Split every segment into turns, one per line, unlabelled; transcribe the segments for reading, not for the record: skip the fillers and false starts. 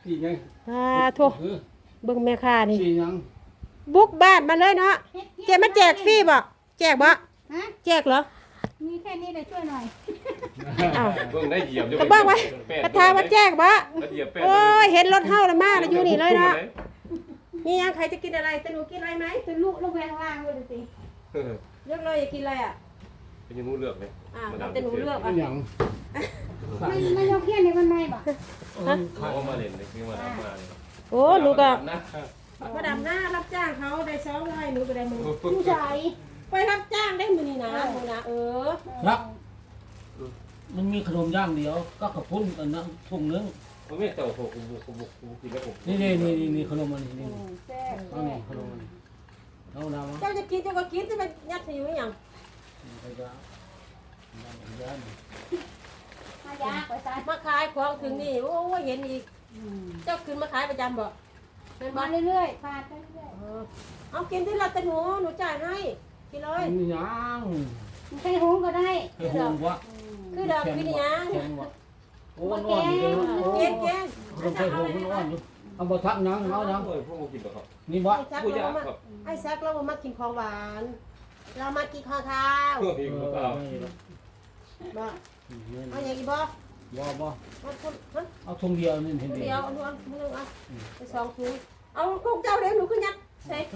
สี่ยัง
โทษเบิ่งแม่ค้านี่
สี่ยัง
บุกบ้านมาเลยเนาะเจ๊มาแจกฟรีบ่แจกบ่
ฮะ
แจกเหรอ
มีแค่นี้เลยช่วยหน่อย
อ้าว
เบิ่งได้เหยียบ
ก็บอกไว้กระทาว่าแจกบ่
เหยียบแป้ง
โอ้ยเห็นรถเฮาแล้วมาแล้วอยู่นี่เลยเนาะมียังใครจะกินอะไรแต่หนูกินอะไรไหม
จะลุกลงไปข้างล่างเลยดูสิ
เลือกเลยอยากกินอะไรอ่ะ
เป็นยังงูเลือกเลย
แต่หนูเลือก
อั
อ่ะ
นยัง
ไม่ยกเขี้ยนในมันไม่บ่
เขามาเล่นเลยคือมาทำมาเลย
โอ้หนูก็
นะ
มาดำหน้ารับจ้างเขาได้200หนูก็ได้มือ
ผู้ชาย
ไปรับจ้างได้มือนี่นะมือนะ
ครับมันมีขนมย่างเดียวก็ขพุ่นอันนั้นถุงนึง
ผมไม่เต่าผมกินแล้วผม
นี่ขนมอันนี้นี่
แซ่บ
เอานี่ขนมอันนี้เอาน้ำ
เจ้าจะกินเจ้าก็กินจะไปยัดใส่อยู่อย่าง
ไปจ้าย่าน
มายาไปซะ
มาขายของถึงนี่โอ้ยเห็นอีกเจ้าขึ้นมาขายประจำบ่เป็นบ่
มาเรื่อยๆพาไปเรื่อย
เอากินที่ละแต่หนูจ่ายให้กินเลย
นี่ยัง
ๆใช้หุงก็ได้
ให้ห่วงวะ
คือดอกกินยัง
โอ้นอนอยู่เลยโอ้
เก่งเก่ง
คนใช้ห่วงมันนอนอยู่เอาบ่ทักยังเอายัง
เฮ้ยพวกผมกินแล้วครับ
นี่บ่
ไอ้ซักเรามากินของหวาน เรามากินข้าวข้าว
เฮ้ยก็เอา
บ่เอาอย่างอีบ่
บ่
เอาคน
เอาถุงเดียวนี่เห็น
เดียวเอานวลมือเอาไป2ถุงเอาของเจ้าเดี๋ยวหนูก็ยัดใส่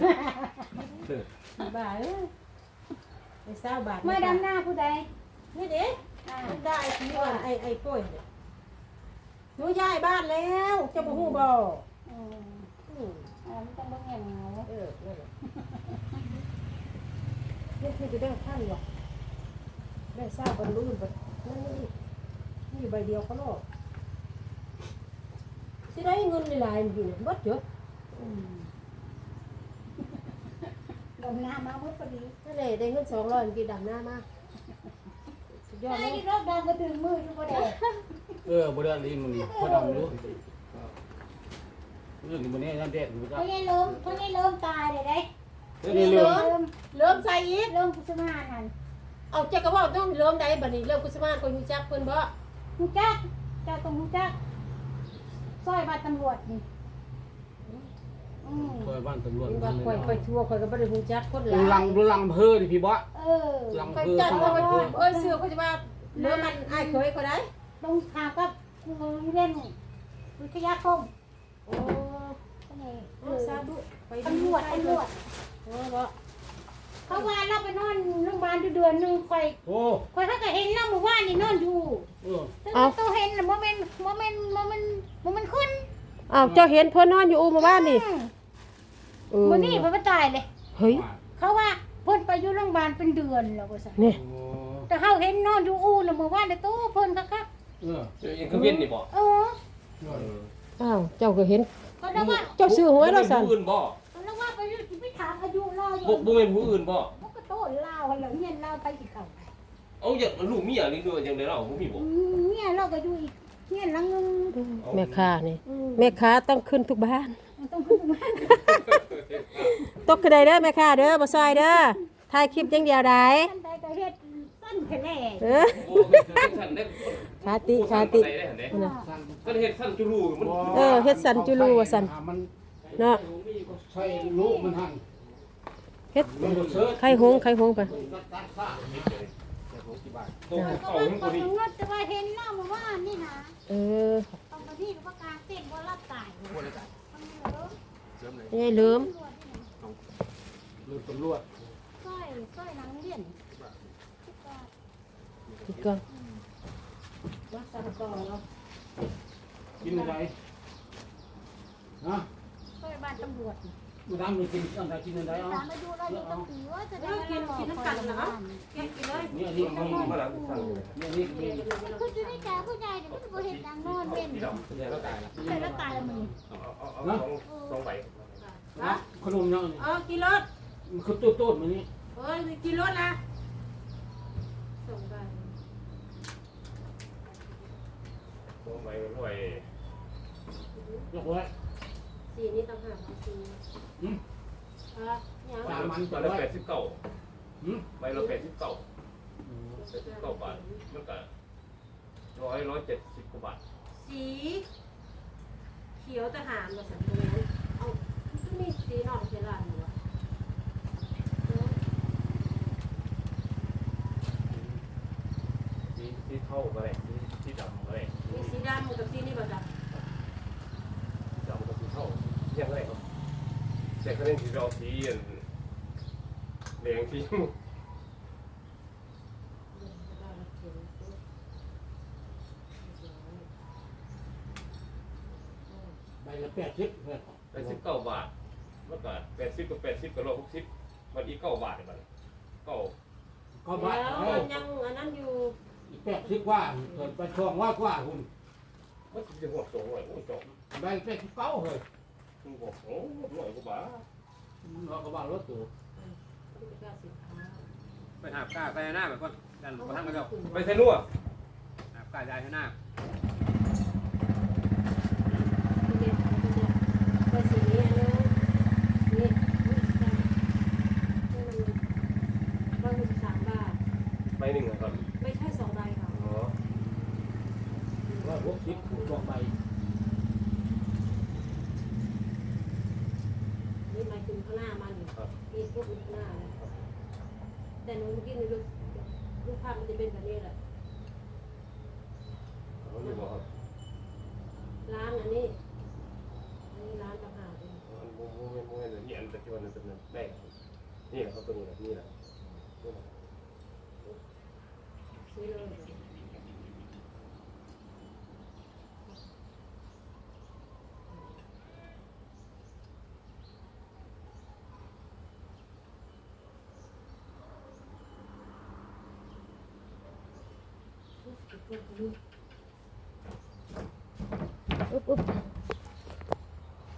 บ้าเอ้ยไอ้20 บาท
มาดำหน้าผู้ใด
นี่เด้ได้ที่ว่าไอ้ป่วยหนูย้ายบ้านแล้วเจ้าบ่ฮู้บ่
ไม่ต้องเบิ่งเงียบเหงา
นั่นแหละนี่คือจะได้ท่านหรอกได้ทราบบรรลุนแบบนี่ใบเดียวเขาโลกสิได้เงินหลายๆมันอยู่บดเยอะ
ดำหน้ามาหมดพอดี
นั่นแหละได้เงิน200มันกินดำหน้ามากสุดยอดเล
ไอ้
ย
ที่รอบดำก็ถึงมืออยู่บ่ได้
บ่ได้ลิ้นมันนี่พอดำอยู่เรื่องนี้มันนี่น้ำแดงอยู่จ้ะ
เขายังเริ่มตายเลยได้
นี่เริ่มใส่อีก
เริ่มกุศลาหัน
เอาเจ้าก็ว่าต้องเริ่มใดบัดนี้เริ่มกุศลาคนฮู้จักเพิ่นบ่
ฮู้จักเจ้าต้องฮู้จักซอยบ้านตำรวจนี่
ซอยบ้านตำรวจ
ว่าค่อยทั่วค่อยก็บ่ได้ฮู้จักคนหลาย
ดูลังเพ้อดิพี่บ่
ลัง
ค่อยจัดว่าเสื้อเขาจะว่าเริ่มมันอ้ายเคยเขาได้
ต้องถามกับเรียนวิทยาคม
โอ้สาธุไป
ตำรวจ
โอ้บ่
เขาว่าเราไปนอนโรงพยาบาลเดือนนึงค่อย
โอ้
เขาก็เห็นเราเมื่อวานนี่นอนอยู่ตัวเห็นน่ะบ่แม่นขึ้น
อ้าวเจ้าเห็นเพิ่นนอนอยู่อู่มาบ้านนี่
มื้อนี้เพิ่นบ่ตายเลย
เฮ้ย
เขาว่าเพิ่นไปอยู่โรงพยาบาลเป็นเดือนแล้วว่าซั่น
นี่
แต่เฮาเห็นนอนอยู่อู่น่ะเมื่อวานนี่ตู้เพิ่นคัก
ยังคือเวียนนี่บ่
อ้าวเจ้าก็เห็น
ก็แล้วว่า
เจ้าซื้อหวยแล้วสั่น
ผู้อื่นบ่
แล้วว่าไปถามอายุเราอยู่
บ่เป็นผู้อื่นบ่
มันก็โตเล่าแล้วเฮียนเล่าไปสิเข้า
เอาอย่างลูกเมียนี่ด้วยจังได๋เล่าบ่มีบ่
เนี่ยเราก็อยู่อีกเฮียนหลังนึง
แม่ค้านี่แม่ค้าต้องขึ้นทุกบ้าน
ต้องขึ้นมา
ตกกระไดเด้อแม่ค้าเด้อบ่ซอยเด้อถ่ายคลิปอย่างเดียวได้
ท่านใดก็เฮ็ดสั้นแค่แน่
เออ
โอ้เป็นสั่นได้
ขาติ
ก็เฮ็ดสั่นจุลูมัน
เฮ็ดสันจุลูว่าสัน
มัน
เนาะ
ใส่ลูกมันหั่น
เฮ็ด
มันบ่เสิร์ช
ไข่หงไป
ตัว
ก็
เข้า
ว่า
ทั้ง
ค
คน นี้
งดแต่ว่าเห็นเล่ามาว่านี่นะ
เออ
ตอนที่ว่าการเต้นว่ารับตาย
นี่ลืม
ลูกตำรวจ
สร้อยหนังเลี่ยน
อีกก่อนมาสั่งต่อเนาะ
กินอะไรฮะ
สร้อยบ้านตำรวจ
มาดามกินอะไรกินอะไรเอา
ถามอายุเราอยู่ตั้งปีว่าจะได้
กินน้ำกันเหรอกินเลย
นี่นี่
มาหลังสั่งอยู่
นี่
คือจะได้จ่ายผู้ใหญ่เนี่ยมันบ่เห็นดังนอนเล่น
พี่ดอกแย่แล้วตายละ
ใช่แล้วตายแล้วมึง
เอา2ใบ
ขนมยัง
กินรถ
มันคือตู้มันนี่
กินรถนะส่งไป
2ใบด้วย
ยกไว้
สีนี้ต่างหากสีเนี่ย
สามัน
ใบ
ก็
ละ
ไว้
89ใบละ89 บาทมันก็170กว่าบาท
สีขียวทหารมาสั่งตรงนี้เอาก็มีสีนอกเชลานอยู่วะ
ที่เท่าก็ได้ที่ดำก็ได้
มีสีดำกับสีนี่ป่ะจ๊ะ
ดำกับที่เท่ายังไงครับแต่ก็เล่นที่เราสีแดงสี
ใบละ80เพื่อน
89 บาทเมื่อก่อน80กับ80กับ160มันอีก9 บาทเลยมัน9
ก็บาท
แล้วมันยังอันนั้นอยู่
อีก80กว่าเกิดไปช่วงว่ากว่าคุณ
มันจะหัวโตหน่อยโอ้ยจบ
ใบ89เฮ้ย
คุณบอกโอ้หน่อยก็บ้า
เราก็ว่ารถตู้
ไปหาบกล้าไปหน้าแบบว่าดันกระทั่งกระเจ้า
ไปเซนัว
หาบกล้ายายให้หน้า
ไปสีนี้อันนี้นี่113 บาท
ไป1ครับ
ไม่ใช่2 ใบค่ะ
อ๋อ
ว่า60คือ2ใบ
นี่หมายถึงข้างหน้ามันนี่พวกข้างหน้าแต่หนูเมื่อกี้นี่รูปภาพมันจะเป็นแบบนี้แหละ
เขาอยู่บ่ครับ
ร้านอันนี้ร้านต่างหากเอง
มันโมเมนต์นี่อันตะกี้วันนั้นเป็นแม่นี่แหละครับตัวนี้แหละนี่แหละ
ซื้อเลยอุ๊บ